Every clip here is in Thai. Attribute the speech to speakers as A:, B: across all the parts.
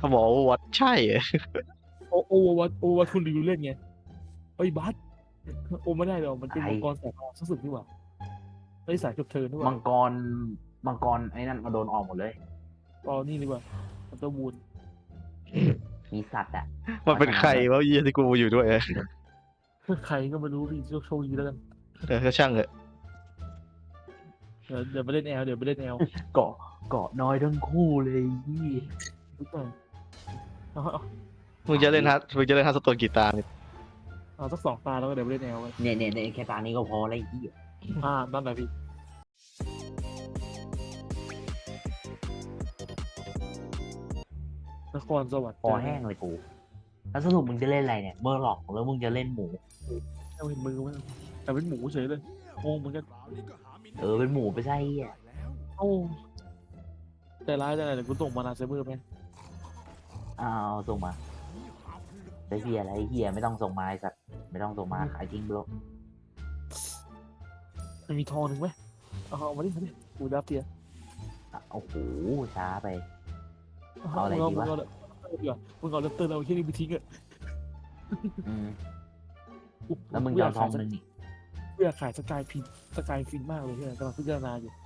A: บอกว่าวัดใช่เหรอ
B: โอวัตคุณรีวิวเล่นไงไอ้บัสโอไม่ได้หรอกมันเป็น
C: ไอ้
B: มังกรสายฟ้าสุดนี่หว่าไอ้สายจบเทิร์นนี่ห
C: มั
B: ว่าง
C: กรมังกรไอ้นั่นมาโดนออกหมดเลย
B: อ๋อนี่ดีกว่ามันตัวมูล
C: มีสัตว์อ่ะ
A: มันเป็นใครวะเยี่ยที่กูอยู่ด้วย
B: ใครก็ไม่รู้พี่โชคดีแล้วกัน
A: ก็ช่างเถอะ
B: เดี๋ยวไปเล่นแอล
C: เกาะน้อยทั้งคู่เลยพี่
B: ทุกอย่างเอา
A: มึงจะเล่นฮัสโตนกี่ตาเนี่ย
B: เอาสัก2 ตาแล้วก็เดี๋ยวไปเล่นแอลกัน
C: เนี่ยแค่ตานี้ก็พอแล้วพี่
B: นั่นแหละพี่นครสวรรค์
C: พอแห้งเลยกูแล้วสรุปมึงจะเล่นอะไรเนี่ยเมอร์ล็อกแล้วมึงจะเล่นหมู
B: เอาเห็นมือมั้ยแต่เป็นหมูเฉยเลยงงเหมือนกัน
C: เป็นหมูไปใช่อ่ะ
B: โอ้ใจร้ายจังเลยเดี๋ยวกูส่งมานาเซเบอร์ไหม
C: เอาส่งมาไอ้เฮียอะไรเฮียไม่ต้องส่งมาไอ้สัตว์ไม่ต้องส่งมาขายจริงบล็อก
B: มันมีทองหนึ่งไหมเอามาดิกูดับเทีย
C: โอ้โหช้าไป
B: มึง
C: เอาอะไรดีวะ
B: มึงเอาเลตเตอร์เราแค่นี้ไปทิ้งอะ
C: อืมแล้วมึงจะเอาทองนึงนี่
B: กูอยากขายสกายฟินมากเลยเนี่ยกำลังพิจารณาอยู่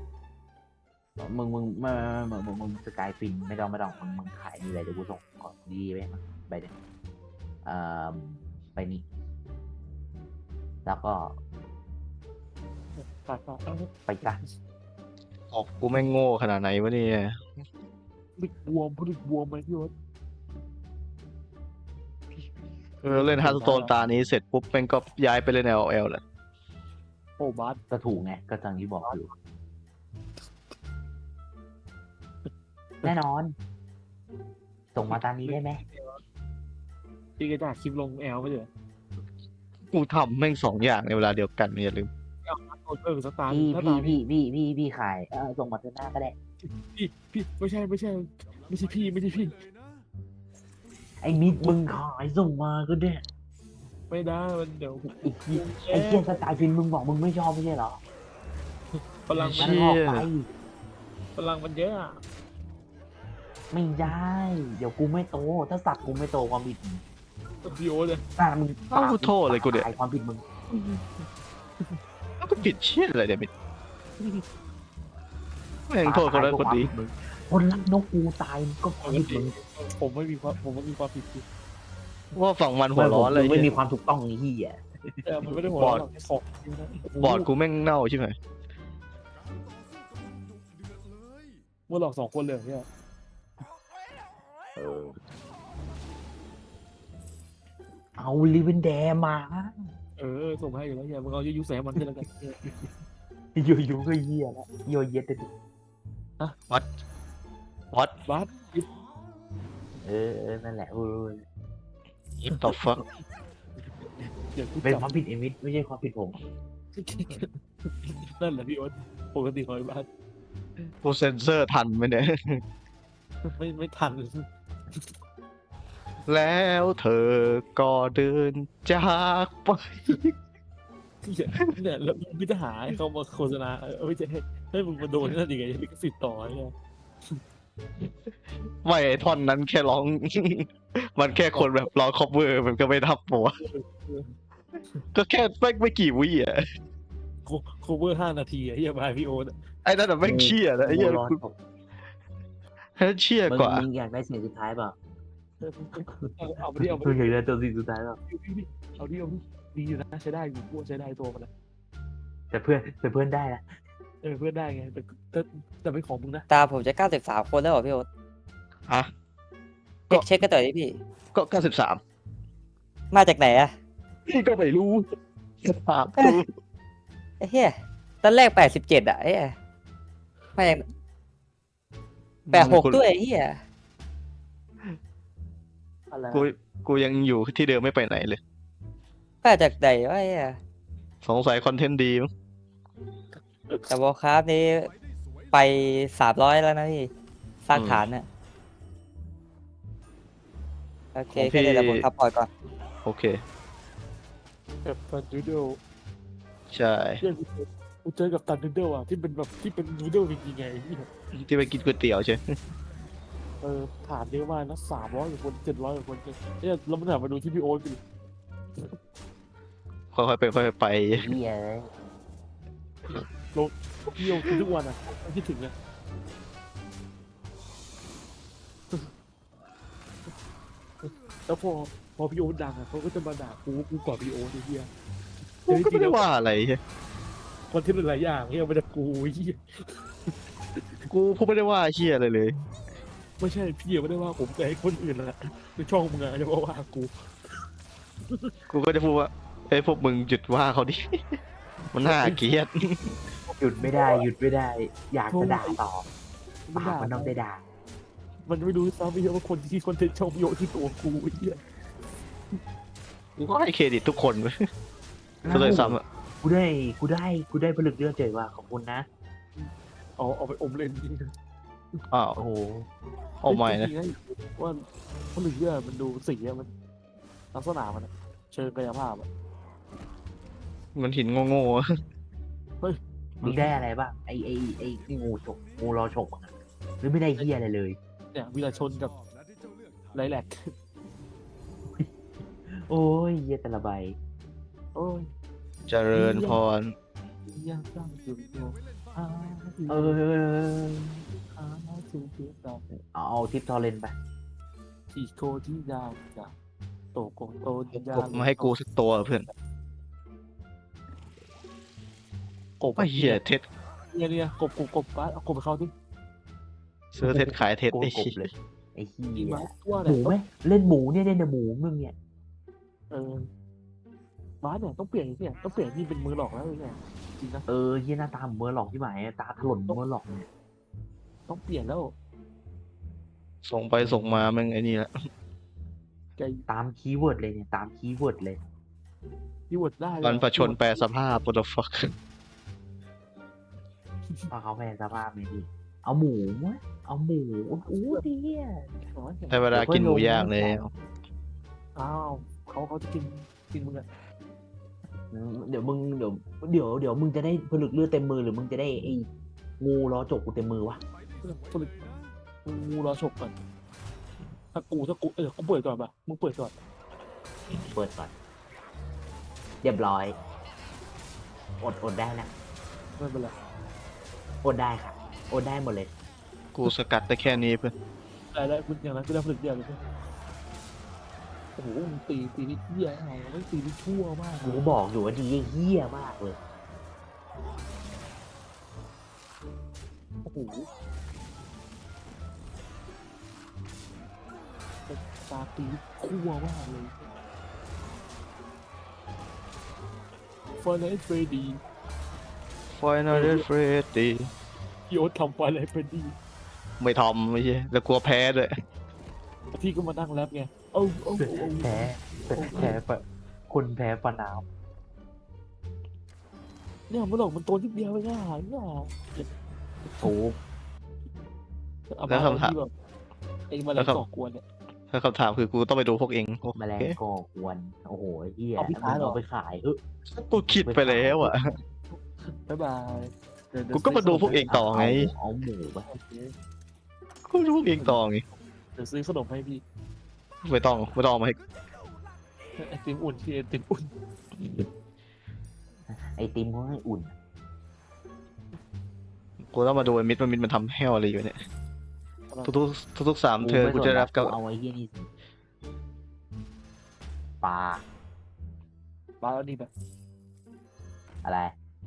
C: มึงสกายฟินไม่ต้องมึงขายนี่เลยเดี๋ยวกูส่งก่อนดีไปมั้งไปเดี๋ยวไปนี่แล้วก็
B: ฝาก
C: ไปกัน
A: ออกกูไม่งโง่ขนาดไหนวะเนี่ย
B: ผลิตบวมไหมพี่วศ
A: เล่นฮัสโตนตานี้เสร็จปุ๊บแม่งก็ย้ายไปเล่น LOL แหละ
B: โอ้บาส
C: ก็ถูกไงก็ตามที่บอกอยู่แน่นอน ส่งมาตามนี้ได้ไหม
B: พี่ก็จะคลิปลงแอลไม่เหรอ
A: กูทำแม่ง2 อย่างในเวลาเดียวกันอย่าลืม
B: โดนสตาร์
C: พี่ขายส่งมาเดือนหน้าก็ได้
B: พี่ไม่ใช่พี่
C: ไอ้มิดมึงขายส่งมาก็ได้
B: ไม่ได้มันเดี๋ยว
C: ไอ้เกียร์สไตล์ฟินมึงบอกมึงไม่ชอบไม่ใช่เหรอ
B: พลัง
C: มันออกไป
B: มันเยอะอะ
C: ไม่ได้ เดี๋ยวกูไม่โต ถ้าสัตว์กูไม่โตความผิดมึง
B: พี่โอ๊ตเลย
C: มึง
A: เอ้ากูโทษเลยกูเดี๋ยว
C: ตาความผิดมึง
A: ก็ผิดเชี่ยอะไรเดี๋ยวมิดแม่งโทษคนนั้นคนดี
C: คนรักนกกูตายมันก็ความผิดมึง
B: ผมไม่มีความผิดพี่
A: ว่าฝั่งมันหัวร้อนเลย
C: ไม่มีความถูกต้องนี่อ่ะ
B: แต่มันไม่ได้หัวเราะหรอกของ
A: บอร์ดกูแม่งเน่าใช่ไหม
B: เมื่อหลอก2 คนเลยเนี่ย
C: เอาลิเวนแดมา
B: ส่งให้อยู่แล้วเนี่ยมึงเอายุแสมันกันแล้วกัน
C: อยู่ก็เหี้ยแล้วโยเย็ดเลยดิ
A: วัด
B: บาส
C: นั่นแหละ
A: ยิบต่อฟัก
B: เดี๋ยวกู
C: เป็น
B: จับ
C: ความผิดเอมิสไม่ใช่ความผิดผม
B: นั่นแหละพี่โอ๊ตปกติของไอ้บาส
A: กูเซนเซอร์ทันไหมเนี่ย
B: ไม่ทัน
A: แล้วเธอก็เดินจากไป
B: เนี่ยแล้วมึงจะหาให้เขามาโฆษณาไม่ใช่ให้มึงมาโดนนั่นยังไงลิขสิทธิ์ต่อเนี่ย
A: ไม่ไอ้ท่อนนั้นแค่ร้อง มันแค่คนแบบร้องคอปเวอร์มันก็ไม่ทับหัวก็แค่ไม่กี่วิอ่ะ
B: โคเวอร์5 นาทีอะเฮียบายพี่โอ๊ต
A: ไอ้นั่นแต่แม่งเชี่ยนะไอ้เหี้ย
C: ร้อน
A: ไอ้นั่นเชี่ยกว่า
C: มึงอยากได้เสียงสุดท้ายเปล่า
B: เอาไปดิ
C: มึงอยากได้ตัวสุดท้ายเปล่า
B: เอาดิดีอยู่นะใช้ได้อยู่กูใช้ได้ตัวมันนะ
C: แต่เพื่อนได้ละ
B: เพื่อนได้ไงแต่เป็นของมึงนะ
D: ตาผมจะ93 คนแล้วเหรอพี่โอ๊ต
A: ฮะ
D: เช็คกันต่อดิพี่
A: ก็93
D: มาจากไหนอะ
A: พี่ก็ไม่รู้ถามกู
D: ไอ้เหี้ยตอนแรก87อะไอ้เหี้ยมาจาก86ด้วยไอ้เหี้ย
B: อะไร
A: กูยังอยู่ที่เดิมไม่ไปไหนเลย
D: มาจากไหนวะไอ้เหี้ย
A: สงสัยคอนเทนต์ดีมั้ง
D: แต่วอลคราฟนี้ไป300แล้วนะพี่สร้างฐานน่ะโอเคแค่นี้เดี๋ยวผมทับปล่อยก่อน
A: โอเค
B: แบบตันนูเดิล
A: ใช่
B: กูเจอกับตันนูเดิลอ่ะที่เป็นนูเดิลจริงๆไง
A: ที่ไปกินก๋วยเตี๋ยวใช่
B: เฐานเยอะมากนะ300 กว่าคน700 กว่าคนเนี่ยแล้วมันหันมาดูที่พี่โอ๊ตกัน
A: ค่อยๆเป็นค่อยๆไป
C: ไอ้เฮียเลย
B: พี่โอ๊ตกินทุกวันอ่ะไม่คิดถึงนะแล้วพอพี่โอ๊ตดังอ่ะเขาก็จะมาด่ากูก่อนพี่โอ๊ตไอ้เหี้ย
A: กูก็ไม่ได้ว่าอะไรเหี้ย
B: คนที่หลายอย่างเหี้ยมันจะกูไอ้เหี้ย
A: กูไม่ได้ว่าเชี่ยอะไรเลย
B: ไม่ใช่พี่ไม่ได้ว่าผมแต่ให้คนอื่นแหละในช่องมึงอะจะว่ากู
A: กูก็จะพูดว่าเอ้ยพวกมึงหยุดว่าเขาดิ มันน่าเกลียด
C: หยุดไม่ได้หยุดไม่ได้ อยากจะด่าต่อ
B: มัน
C: ปาก
B: ด่า
C: มันต้องได้ด่า
B: มันไม่รู้ซ้ำไม่เยอะว่าคนที่คอนเทนต์ช่องพี่โอ๊ตที่ตัวกูไอ้เหี้ย
A: กูก็ให้เครดิตทุกคนเว้ยก็เลยซ้ำอะ
C: กูได้ผลึกเลือดเจอว่าขอบคุณนะ
B: เอาไปอมเล่นจริง
A: อ้าว
C: โอ้โห
A: เอาใหม่นะ
B: ว่าผลึกเลือดมันดูสีอะมันลักษณะมันอะเชิงกายภาพอะ
A: มันหินโง่ๆอะ
C: มึงได้อะไรบ้างไอ้งูฉกงูรอฉกอะหรือไม่ได้เฮียอะไรเลย
B: เนี่ยวิรชนกับไรแลก
C: โอ้ยเฮียแต่ละใบ
B: โอ้ย
A: เจริญพร
B: ยากจังจุดโยอาถึง
C: เออ
B: อาถึงเพียงดาว
C: เอาทิปทอร์เรนไป
B: ที่โคที่ยาวจากโตโกโตยาก
A: บมาให้กูสักตัวเพื่อน
B: กบ
A: ไอ้เหี้ยเท็ด
B: เนี่ยกบเอากบไปเข้าดิ
A: ซื้อเท็ดขายเท็ด
C: โก
A: ไอ้
C: กบ
A: เหี้ย
C: เลยไอ้เฮี
B: ดี
C: ย
B: ไหมว่า
C: หมูไหมเล่นหมูเนี่ยเล่นแต่หมูมึงเนี่ย
B: บ้านเนี่ยต้องเปลี่ยนเนี่ยต้องเปลี่ยนนี่เป็นมือหลอกแล้วเนี่ยจริงนะ
C: เฮียหน้าตาเหมือนเมอร์หลอกที่หมายตาถลนเมอร์หลอกเนี่ย
B: ต้องเปลี่ยนแล้ว
A: ส่งไปส่งมาแม่งไอ้นี่แหละ
B: ใจ
C: ตามคีย์เวิร์ดเลยเนี่ยตามคีย์เวิร์ดเลย
B: ที่วดได้เลย
A: มันประชนแปลสภาพ what the fuck
C: เอาเขาแพ้สภาพเลยดิเอาหมูวะเอาหมูอู้ดีอ่ะ
A: ได้เวลากินหมูย่างแล้ว
B: อ้าวเขาจะกินมึงอะ
C: เดี๋ยวมึงเดี๋ยวมึงจะได้ผลึกเลือดเต็มมือหรือมึงจะได้ไอ้งูล้อจกกูเต็มมือวะ
B: ผลิตงูรอฉกก่อนถ้ากูกูเปิดก่อนป่ะมึงเปิดก่อน
C: เปิดก่อนเรียบร้อยอดได้นะ
B: ไม่เป็นไร
C: อดได้ค่ะอดได้หมดเลย
A: กูสกัดได้แค่นี้เพื่อน
B: ได้คุณอย่างนั้นก็ได้ผลิตเดียวเลยโอ้โหมึงตีนี่เหี้ยอะไรไม่ตีนี่ชั่วมาก
C: กูบอกอยู่ว่าดีเฮี้ยมากเลย
B: โอ้โหตาตีคั่วมากเลยฟอนไลท์เฟรดี
A: Final Freddy
B: พี่โอ๊ตทำฟอนไลท์เฟรดี
A: ไม่ทำไม่ใช่แล้วกลัวแพ้ด้วย
B: พี่ก็มานั่งแรปไงเอา
C: แพ้ปะคนแพ้ปะนาว
B: เนี่ยมันหลอกมันตัวนิดเดียวไม่ง่ายง่าย
C: โอ้
A: แล้วคำถาม
B: ไอ้มาแล้วก่อกวนเนี่ย
A: ถ้าคำถามคือกูต้องไปดูพวกเองโอ
C: แมลง
A: เค
C: ก่อกวนโอ้โหไอ้เฮีย
B: เอาไปขายเหรอ
C: เอาไปขาย
A: กูคิดไปแล้วอ่ะ
B: บ๊ายบายเดี๋ยว
A: กูก็มาดูพวกเองต่อไง
C: เอาหมูไป
B: โอเค
A: กูดูพวกเองต่อไง
B: เดี๋ยวซื้อขนมให้พี่
A: ไม่ต้องเอามาให้
B: ไอติมอุ่นพี่ไอติมอุ่น
C: ไอติมเขาให้อุ่น
A: กูต้องมาดูไอ้มิดมันทำแห้วอะไรอยู่เนี่ยทุก3 เธอกูจะรับกับ
C: เอาไอ้เฮียนี่สิปลา
B: บ้าแล้วนี่แบบ
C: อะไร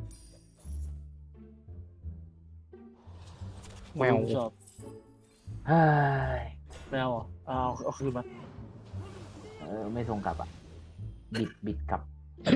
A: แมว
B: ชอบ
C: เฮ้ย
B: แมวอ่ะเอาคืนมา
C: ไม่ส่งกลับอ่ะ บิดกลับ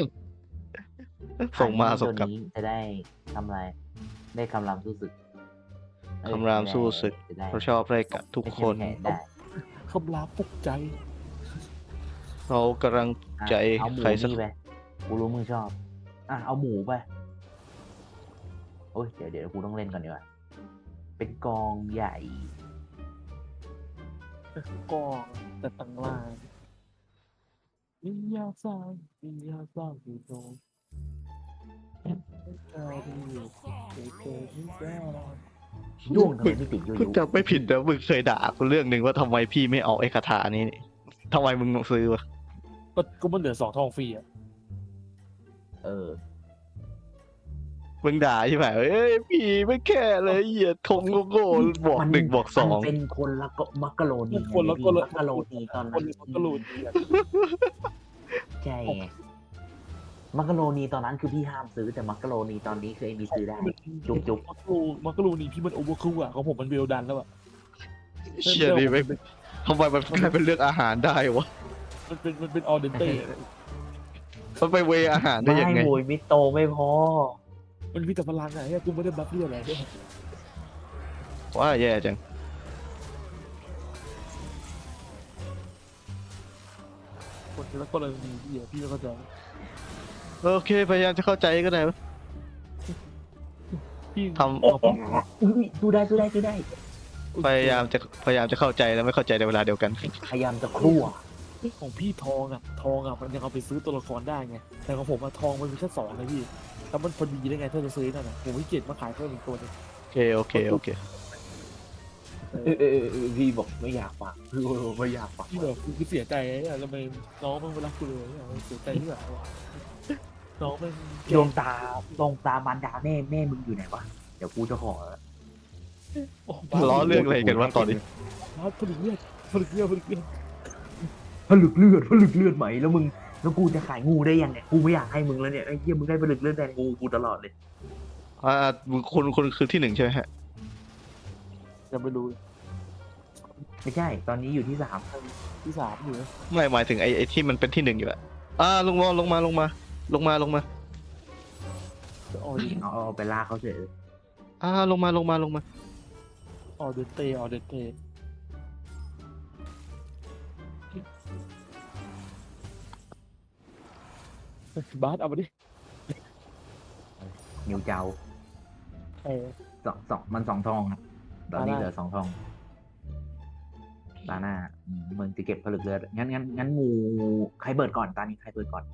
A: ส่งมาส่ง
C: ตัว
A: กลับ
C: นี้จะได้ทำอะไร ได้คำรามสู้ศึกเอ้ย
A: คำรามสู้ศึก
C: จะได้
A: เราชอบอะไรกับทุกคน
C: ไม่ใช่แพ้ได้
B: คำรามปลุกใจ
A: เรากำลัง
C: อ่ะ
A: ใจ
C: เอาหมู
A: ใครสัก
C: นี่ไปกูรู้มึงชอบอ่ะเอาหมูไปโอ้ยเดี๋ยวกูต้องเล่นก่อนดีกว่าเป็นกองใหญ่
B: ก็แต่ต่างล่างมียาสร้างอยู่ตรงใจดีอยู่เจอที่แก้
C: ด้วงทำไมไม่ติดยู
A: กู
C: ยู
A: จำไม่ผิดนะมึงเคยด่ากูเรื่องหนึ่งว่าทำไมพี่ไม่เอาไอ้คาถานี้นี่ทำไมมึงซื้อวะ
B: ก็มันเหลือ2 ทองฟรีอ่ะ
C: เออ
A: มึงด่าใช่ไหมเอ้ยพี่ไม่แค่เลยเหี้ยทงโง่ๆบวกหนึ่งบวกสอง
C: มันเป็นคนละก็มักกะโรนี
B: คนละ
C: ไง
B: คนละ
C: มักกะโรนีตอน
B: ค
C: นั้น น
B: มันก็รู้ดีอะ
C: ใช่ไงมักกะโรนีตอนนั้นคือพี่ห้ามซื้อแต่มักกะโรนีตอนนี้คือไอ้มีซื้อได้ จุก
B: มันก็รู้นี่พี่มันโอเวอร์คูลอ่ะของผมมันเวลดันแล้วอ่ะ
A: เชี่ยนี่ไม่ทำไมมันกลายเป็นเรื่องอาหารได้วะ
B: มันเป็นออเดนเต้
A: มันไปเวอาหารได้
C: ไม่
A: ยังไง
C: โวยมิโตไม่พอ
B: มันมีแต่พลังอะเนี่ยกูไม่ได้บัฟเลือดอะไรด้วย
A: ว่าแย่จัง
B: คนละกรณีพี่ไม่เข้าใจ
A: โอเคพยายามจะเข้าใจก็ได้วะ
B: พี่
A: ทำ
C: อุ๊ยดูได้
A: พยายามจะเข้าใจแล้วไม่เข้าใจในเวลาเดียวกัน
C: พยายามจะครั่ว
B: ของพี่ทองอ่ะมันยังเอาไปซื้อตัวละครได้ไงแต่ของผมอะทองมันมีแค่2นะพี่แล้วมันพอดีได้ไงถ้าจะซื้อนั่นน่ะผมไม่เก็บมาขายเพิ่มอีกตัวนึง
A: โอเค
C: พี่บอกไม่อยากฟังไม่อยากฟัง
B: พี่แบบกูเสียใจอะทำไมน้องมันไม่รักกูเลยอะเสียใจที่แบบน้องมัน
C: ดวงตามารดาแม่มึงอยู่ไหนวะเดี๋ยวกูจะขอ
A: ล้อเรื่องอะไรกันวะตอนนี้
B: บ้าผลิตเลือด
C: ผลึกเลือดไหมแล้วกูจะขายงูได้ยังไงกูไม่อยากให้มึงแล้วเนี่ยไอ้เหี้ยมึงได้ผลึกเลือดแทนกูตลอดเลย
A: คุณคือที่ 1ใช่ไหมฮะ
B: จะไม่รู้
C: ไม่ใช่ ตอนนี้อยู่ที่ 3
B: ที่ 3อยู่นะ
A: ไม่หมายถึงไอ้ที่มันเป็นที่ 1อยู่อะลงมา
B: จะออก
C: เอาไปลากเขาเฉย
A: ลงมา
B: ออเดนเต้บาสเอามาดิ
C: นิวเจ้า
B: เออ
C: มัน2 ทองครับตอนนี้
B: ตาหน้า
C: เหลือ2 ทองตาหน้ามึงจะเก็บผลึกเลือดงั้นงูใครเบิดก่อนตอนนี้ใครเบิดก่อน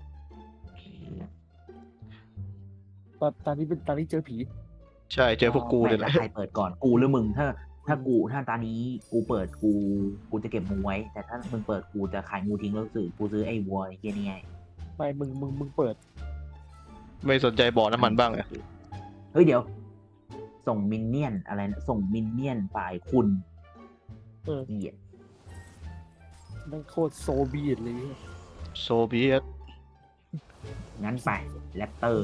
B: ตอนนี้เจอผี
A: ใช่เจอพวกกูเลยแห
C: แล้
A: ละ
C: วใครเปิดก่อนกูหรือมึงถ้าตอนนี้กูเปิดกูจะเก็บงูไว้ แต่ถ้ามึงเปิดกูจะขายงูทิ้งแล้วกูซื้อไอ้วัวไอ้เหี้ยนี่ไง
B: ไม่มึงเปิด
A: ไม่สนใจบ่อน้ำมันบ้างอะ
C: เฮ้ยเดี๋ยว ส่งมินเนี่ยนอะไรนะส่งมินเนี่ยนฝ่ายคุณ
B: เออ
C: เหี้ย
B: นั่นโคตรโซเบียตเลยเนี่ย
A: โซเวียต
C: งั้นไปแรปเตอร์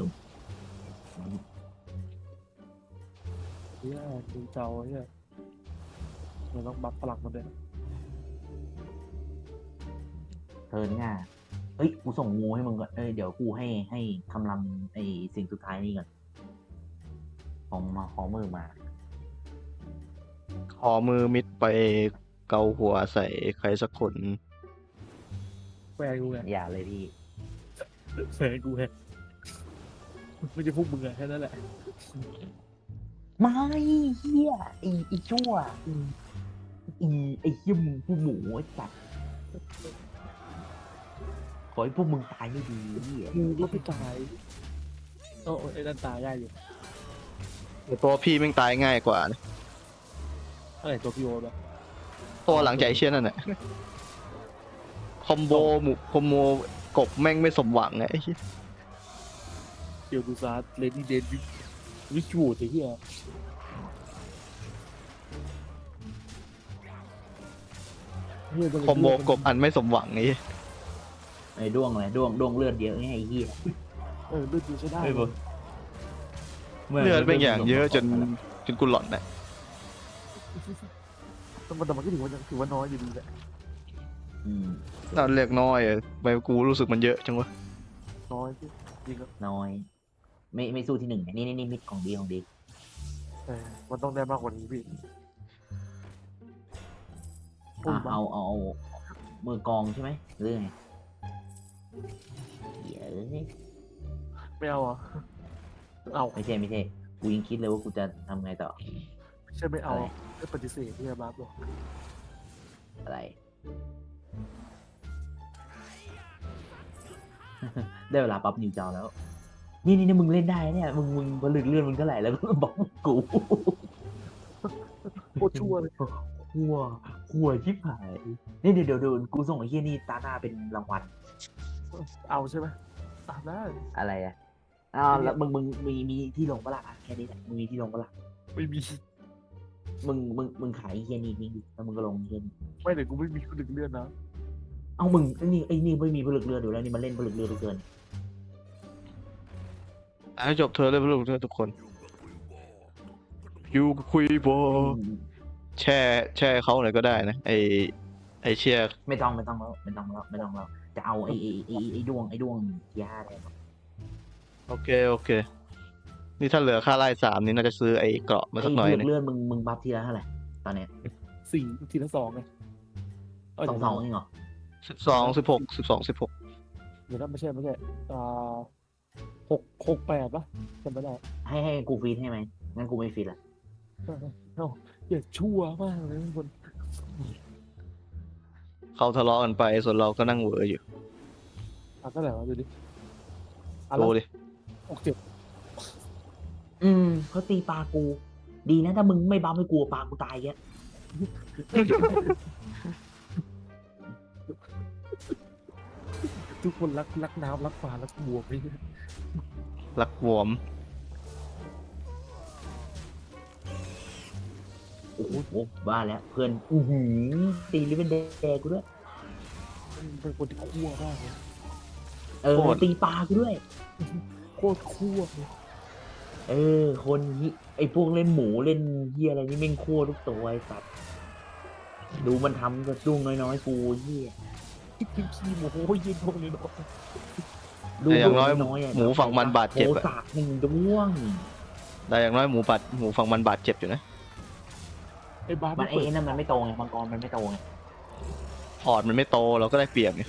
B: ดูเจ้าเนี่ยเราต้องบัฟพลังมันด้วย
C: เทิร์นง่าเฮ้ยกูส่งงูให้มึงก่อนเดี๋ยวกูให้คำรำไอ้สิ่งสุดท้ายนี่ก่อนของมือมา
A: ขอมือมิดไปเกาหัวใส่ใครสักคน
B: แฟนกูไง
C: อย่าเลยพี่
B: แฟนกูไงไม่ใช่พวกมึงอะแค่นั้นแหละ
C: ไม่เฮียไอ้ชั่วไอ้เฮียมึงผู้หมูไอ้สัตว์ขอให้พวกมึงตายไม่ดีเฮีย
B: กูก็ไม่ตายไอ้นั่นตายได้อยู่
A: ตัวพี่แม่งตายง่ายกว่านะ
B: อะไรตัวพี่โอ๊ตวะ
A: เพราะว่าหลังจากไอ้เชี่ยนั่นแหละคอมโบกบแม่งไม่สมหวังไงไอ้เหี้ย
B: เกียวดูซาร์เลดี้เดนวิชวูดไอ้เหี้ย
A: คอมโบกบอันไม่สมหวังไง
C: ไอ้ด้วงอะไรด้วงเลือดเยอะไงไอ้เฮีย
B: เลือดดูใช้ได้
A: เลือดเป็นอย่างเยอะจนกูหลอนนะ
B: แต่มันก็ถือว่าน้อยอยู่ดีแหละ
A: น่าเรียกน้อยอะไปกูรู้สึกมันเยอะจังวะ
B: น้อยจริงก็
C: น้อย ไม่สู้ที่ 1นี่มิดของดี
B: มันต้องได้มากกว่านี้พี่
C: เอามือกองใช่ไหมหรือไงเดี๋ยว
B: ไม่เอาเอา
C: ไม่ใช่กูยังคิดเลยว่ากูจะทำไงต่อ
B: ไม่ใช่ไม่เอาไม่ปฏิเสธที่จะบัฟหรอก
C: อะไร ได้เวลาปั๊บนิวจาวแล้ว นี่มึงเล่นได้เนี่ยมึงผลึกเลื่อนมึงเท่าไหร่แล้วก็บอกกู
B: โคตรชั่วเลย
C: หัวชิบหายนี่เดี๋ยวกูส่งไอ้เหี้ยนี่ตาหน้าเป็นรางวัล
B: เอาใช่ไหมได้
C: อะไรอ่ะอ้าวแล้วมึงมีที่ลงปะล่ะอ่ะแค่นี้แหละมึงมีที่ลงปะล่ะ
B: ไม่มี
C: มึงขายไอ้เหี้ยนี่ทิ้งดิแล้วมึงก็ลงไอ้เหี้ยนี่
B: ไม่แต่กูไม่มีคนดึงเลื่อนนะ
C: เอ้ามึงไอ้นี่ไม่มีผลึกเรือเดี๋ยวแล้วนี่มันเล่นผลึกเรือเหลือเกิน
A: ให้จบเธอเลยลูกเธอทุกคนอยู่คุยบอแช่เขาหน่อยก็ได้นะไอเชียร์
C: ไม่ต้องแล้วจะเอาไอ้ดวงยาอะไร
A: โอเค นี่ถ้าเหลือค่าไล่3นี่น่าจะซื้อไอ้เกราะมาสักหน่อย
C: ไอ้
A: นึง
C: เลือดมึงบัฟทีละเท่าไหร่ตอนเนี้ย
B: 4 ทีละ 2ไง
C: สองเองเหรอ
A: 12 16
B: เดี๋ยวนะไม่ใช่อ่า6 8ปะจำไม่ได้
C: ให้กูฟีดให้ไหมงั้นกูไม่ฟีดละ
B: เอ้าอย่าชั่วมากเลยทุกคน
A: เขาทะเลาะกันไปส่วนเราก็นั่งเหวออยู่
B: เท่าไหร่วะดูดิ
A: ดูดิ
B: 67
C: เขาตีปลากู ดีนะถ้ามึงไม่บัฟให้กูปลากูตายแก
B: ทุกคนรักน้ำรักปลารักบัวไป
A: รักวอม
C: โอ้โหบ้าแล้วเพื่อนตีลิเวนเดย์กูด้วย
B: เป็นคนที่คั่วมากเลย
C: ตีปลากูด้วย
B: โคตรคั่วเลย
C: คนนี้ไอ้พวกเล่นหมูเล่นเหี้ยอะไรนี่แม่งคั่วทุกตัวไอ้สัตว์ดูมันทำกระดุ้งน้อยๆกูเหี้ย
B: ขี้โมโหยืนพวกนี้เนาะ
C: ดู
A: แต่อย่างน้อย
C: ะ
A: หมูฝั่งมันบาดเจ็บ
C: โห
A: อะ
C: สากหนึ่งด้วง
A: แต่อย่างน้อยหมูฝั่งมันบาดเจ็บอยู่นะ
B: ไอ้บาส
C: มันไอ้นั่นมันไม่โตไงมังกรมันไม่โตไง
A: พอร์ตมันไม่โตเราก็ได้เปรียบไง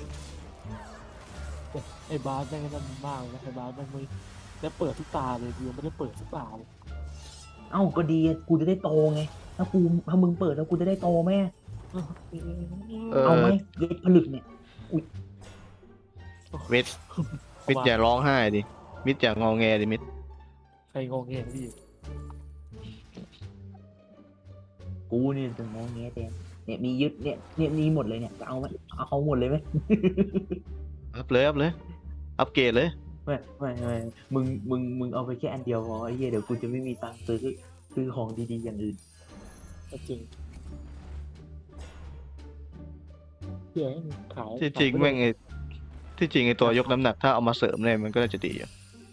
B: ไอ้บาสแม่งนั่นมากเลยนะไอ้บาสแม่งไม่ได้เปิดทุกตาเลยกูยังไม่ได้เปิดทุกตาเลย
C: เอ้าก็ดีกูจะได้โตไงถ้ามึงเปิดแล้วกูจะได้โตแม่ เอาไหมเย็ดผลึกเนี่ย
A: มิดอย่าร้องไห้ดิมิดอย่างอแงดิมิด
B: ใครงงเงี้ยพี่
C: กูเนี่ยจะงอแงแต่เนี่ยมียึดเนี่ยมีหมดเลยเนี่ยจะเอาไหมเอาหมดเลยไหม
A: อัพเลยอัพเกรดเลย
C: ไม่มึงเอาไปแค่อันเดียวพอไอ้เหี้ยเดี๋ยวกูจะไม่มีตังค์ซื้อของดีๆอย่างอื่น
B: จริงเฮียขาย
A: ที่จริงแม่งที่จริงไอตัวยกน้ำหนักถ้าเอามาเสริมเนี่ยมันก็น่าจะดีอยู่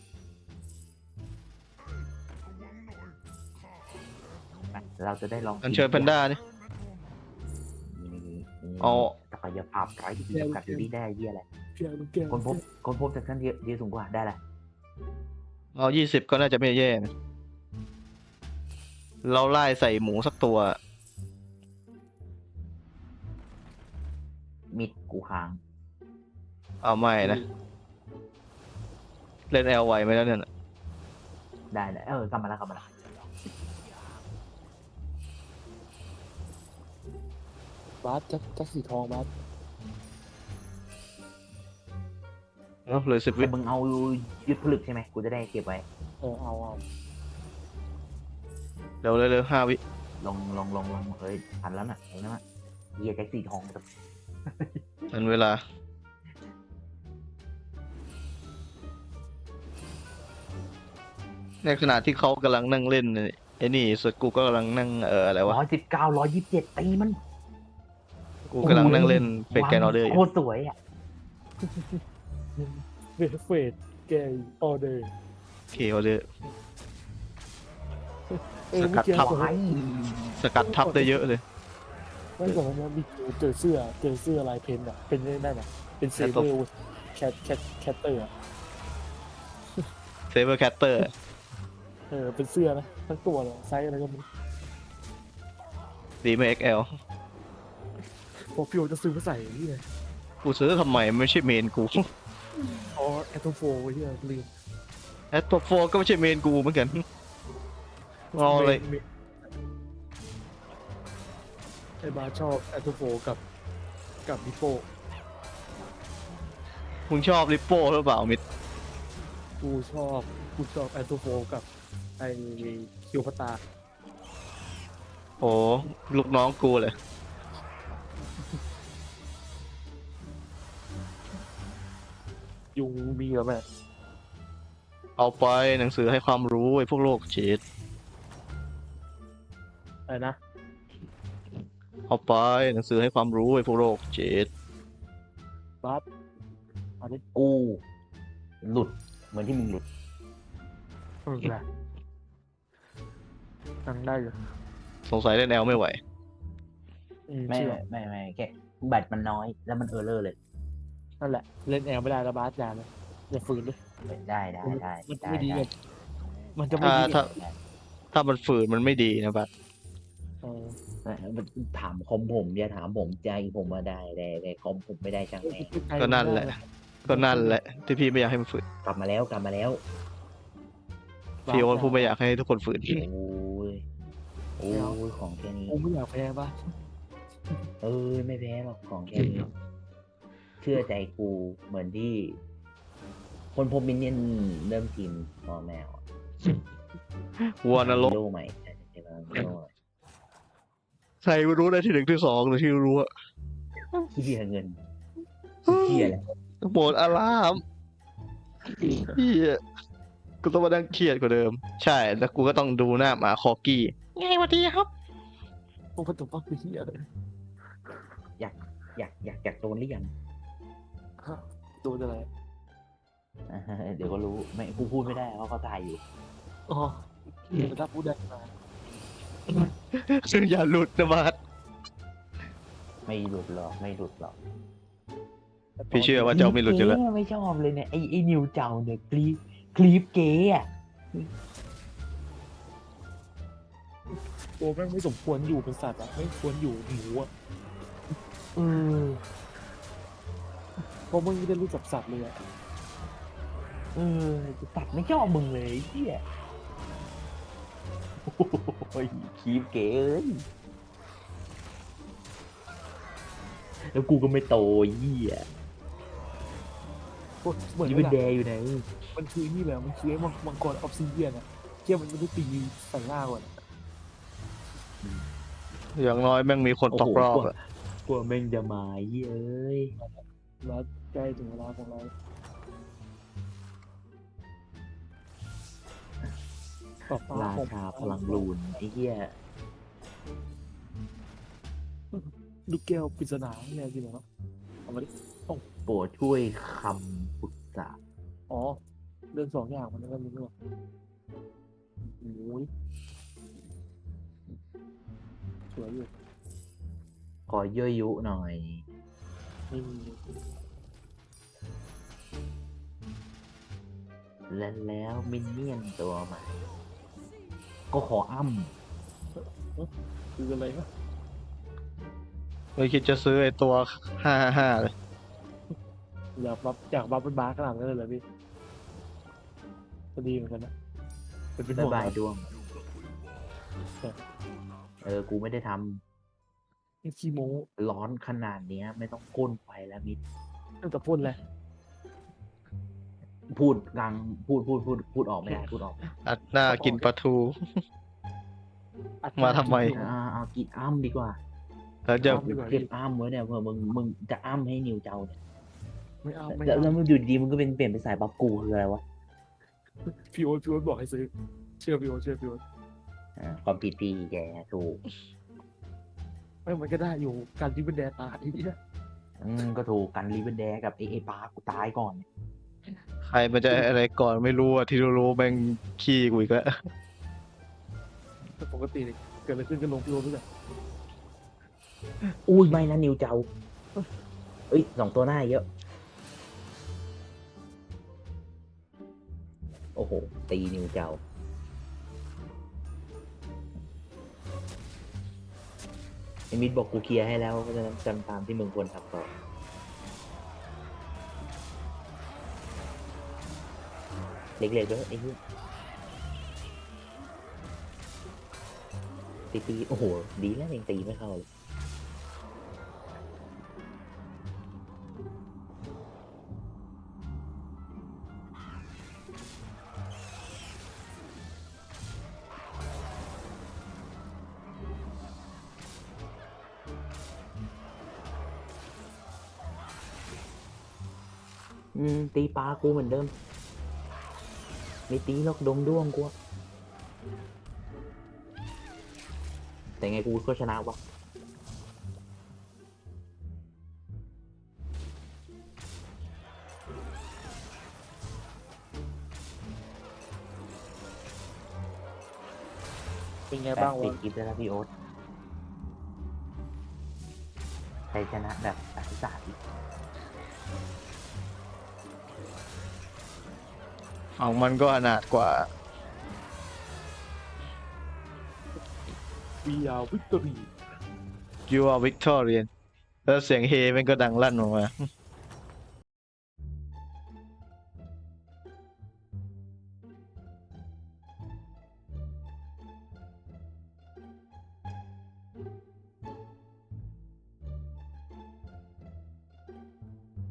C: เราจะได้ลอง
A: อันเชิญแพนด้านี่ เอา
C: ศักยภาพไร้ที่จำกัดอยู่ที่ได้เหี้ยอะไร
B: เพียงลูกแก้ว
C: คนพบจากขั้นเยอะสูงกว่าได้แหละ
A: เอา20ก็น่าจะไม่แย่นะเราไล่ใส่หมูสักตัว
C: มิดกูค้าง
A: เอาไม่นะ เล่นแอลไวไหมแล้วเนี่ยน่ะ
C: ได้กลับมาแล้ว
B: บาสจักสีทองบาส
A: เอาเลย10 วิ
C: แต่มึงเอายึดผลึกใช่ไหมกูจะได้เก็บไว้
B: เอา
A: เร็ว5 วิ
C: ลงเฮ้ยทันแล้วน่ะเห็นไหมเหี้ยแจ็คสีทอง
A: ทันเวลา ในขณะที่เขากำลังนั่งเล่นไอ้นี่ส่วนกูก็กำลังนั่งอะไรวะ
C: 119 127ตีมัน
A: กูกำลังนั่งเล่นเฟกแกนออเดอร์อ
C: โค
A: ยู่
C: ตรสวยอ่ะ
B: เฟดแกออเดอร์
A: เคออเดอร์ ส
B: เมื่
A: กั
B: อ
A: ด
B: กี้
A: ทับ
B: ก่อน
A: สกัดทับได้เยอะเลย
B: ไม่ก่อนนั้นมีเจอเสื้อลายเพนอ่ะเป็นได้ไหมเป็นเซเบอร์แคทเตอร์
A: เซเบอร์แคตเตอร์
B: เป็นเสื้อนะทั้งตัวเลยไซส์อะไรก็ไม่รู้
A: ดีไม่ XL
B: พอพี่โอจะซื้อมาใส่ที่ไหน
A: กูซื้อทำไมไม่ใช่เมนกู
B: อ๋อแอตโตโฟที่ลืม
A: แอตโฟก็ไม่ใช่เมนกูเหมือนกันเอาเลย
B: ไอ้บาชอบแอตโตโฟกับดิโป
A: มึงชอบริปโป้หรือเปล่ามิด
B: กูชอบแอตโตโฟกับไอ้คิวพตา
A: โอ้ลูกน้องกูเลย
B: ยุงมีเหรอแม่
A: เอาไปหนังสือให้ความรู้ไอ้พวกโรคจิต
B: อะไรนะ
A: เอาไปหนังสือให้ความรู้ไอ้พวกโรคจิต
B: บัสอันนี้
C: กูหลุดเหมือนที่มึงหลุด
B: แหละนั่งได้อยู่
A: สงสัยเล่นแอลไม่ไหว
C: ไม่
B: เชื่อ
C: ไม่แค่แบตมันน้อยแล้วมันเออร์เลอร์เลย
B: นั่นแหละเล่นแอลไม่ได้แล้วบาสอย่าเลยอย่าฝืนเลย
C: ได้
B: มัน
C: ได้
B: ไม่ดีเลยมันจะไม่ดี
A: ถ้ามันฝืนมันไม่ดีนะบัด
B: เออ
C: มันถามคอมผมอย่าถามผมใจผมมาได้แต่คอมผมไม่ได้ช่างแม่ง
A: ก็นั่นแหละ ก็นั่นแหละ ที่พี่ไม่อยากให้มันฝืน
C: กลับมาแล้ว
A: พี่โอ๊ตพูดไม่อยากให้ทุกคนฝืน
C: โอ้ยของแค่นี้
B: กูไม่อยากแพ้บ้า
C: ไม่แพ้หรอกของแค่นี้ เชื่อใจกูเหมือนที่ คนพบมินเนี่ยนเริ่มทีมมอแมว
A: วัวนรก
C: ฮีโร่ใหม่ใช่ไหมฮีโร่ใหม่
A: ใครไม่รู้ได้ที่หนึ่งที่สองหรือที่รู้อะ
C: ที่เสียเงินเที่ยแหละ
A: โหมดอารามเฮียกูต้องมานั่งเครียดกว่าเดิม ใช่ แล้วกูก็ต้องดูหน้าหมาคอกี้ไงวันดีครับ
B: พวกพันตุปักคือเฮียเลย
C: อยากโดนหรือยัง
B: ฮะโดนอะไร
C: เดี๋ยวก็รู้ไม่กูพูดไม่ได้เพราะเขาตายอยู่
B: อ๋อแต่ถ้าพูดได้มา
A: ซึ่งอย่าหลุดนะบัด
C: ไม่หลุดหรอก
A: พี่เชื่อว่าเจ้าไม่หลุดอยู่แล้ว
C: ไม่ชอบเลยเนี่ยไอ้นิวเจ้าเนี่ยคลีปเก๋อะ
B: ตัวแม่งไม่สมควรอยู่เป็นสัตว์อ่ะไม่ควรอยู่หมูอ่ะ
C: เออ
B: เพราะมึงไม่ได้รู้จักสัตว์เลยอ่ะ
C: ตัดไม่ชอบมึงเลยไอ้เหี้ยโอ้ยคลีปเก๋เอ้ยแล้วกูก็ไม่โตไอ้เหี้ย
B: เหมือน
C: ยู
B: เว
C: เป็น
B: ลา
C: แดอยู่ไหน
B: มันคือนี่แหละมันคือไอ้มังกรออฟซิเดียนอ่ะเที่ยมันไม่ได้ตีใส่หน้าก่อน
A: อย่างน้อยแม่งมีคนตกรอบอะ
C: กลัวแม่งจะมาไอ้เหี้ยเอ้ย
B: แล้วใกล้ถึงเวลาของเราต่อไป
C: ราชาพลังลูนไอ้เหี้ย
B: ลูกแก้วปริศนาเนี่ยจริงเหรอเอามาดิ
C: โปรดช่วยคำปรึกษา
B: อ๋อเรื่องสองอย่างมันก็มีด้วยโอ้ยสวยอยู่
C: ขอยั่วยุหน่อย
B: ไม่มี
C: แล้วมินเนี่ยนตัวใหม่ก็ขออ้ำ
B: คืออะไรนะ
A: ไม่คิดจะซื้อไอ้ตัว555เลย
B: อยากบัฟเป็นบาร์ขนาดนั้นเลยเหรอพี่ก็ดีเหมือนกันนะเป็น
C: บ๊าย
B: ห่วง
C: บาย
B: นะ
C: ดวง
B: ใช่
C: กูไม่ได้ท
B: นี่ขี้โม้
C: ำร้อนขนาดเนี้ย ไม่ต้องก้นไฟแล้วมิด
B: ตั้งแต่พ่นเลย
C: พูดกลางพูดออกไม่ได้พูดออก
A: อัดหน้ากินปลาทู มาทำไม
C: เอากินอ้ำดีกว่า
A: แล้วจะ
C: เก็บอ้ำไว้เนี่ยเผื่อมึงจะอ้ำให้นิวเจ้าเนี่ย
B: ไม่เอาไม่
C: แล้ว
B: เอา
C: มึงอยู่ดีๆมึงก็เปลี่ยนเป็นสายบัฟกูคืออะไรวะ
B: พี่โอ๊ตบอกให้ซื้อเชื่อพี่โอ๊ต
C: ความผิดพี่แกถูก
B: ไม่มันก็ได้อยู่การที่เป็นแดตายเนี่ย
C: ก็ถูกกันรีเวนแดกับไอ้ปลากูตายก่อน
A: ใครมันจะอะไรก่อนไม่รู้อะที่รู้แม่งขี้กูอีกแล้ว
B: แต่ปกติเนี่ยเกิดอะไรขึ้นก็ลงพี่โอ๊ตไปเลย
C: อุ้ยไม่นะนิวเจ้าเอ้ย2 ตัวหน้าเยอะ โอ้โห ตีนิวเจ้าไอ้มิดบอกกูเคลียร์ให้แล้วเพราะฉะนั้นจำตามที่มึงควรทำต่อ เล็กๆด้วยไอ้เหี้ยตีโอ้โห ดีแล้วยังตีไม่เข้าเลยตีปลากูเหมือนเดิม ไม่ตีหรอกดงด้วงกูอะแต่ไงกูก็ชนะวะ
B: เป็นไง
C: แป
B: บ้า
C: ด
B: ง
C: สิ
B: วะ
C: บคลิปแล้วนะพี่โอ๊ตใครชนะแบบสาย
A: ของมันก็อนาถกว่า
B: วีอาวิกตอรี
A: You are Victorian แล้วเสียงเฮมันก็ดังลั่นออกมา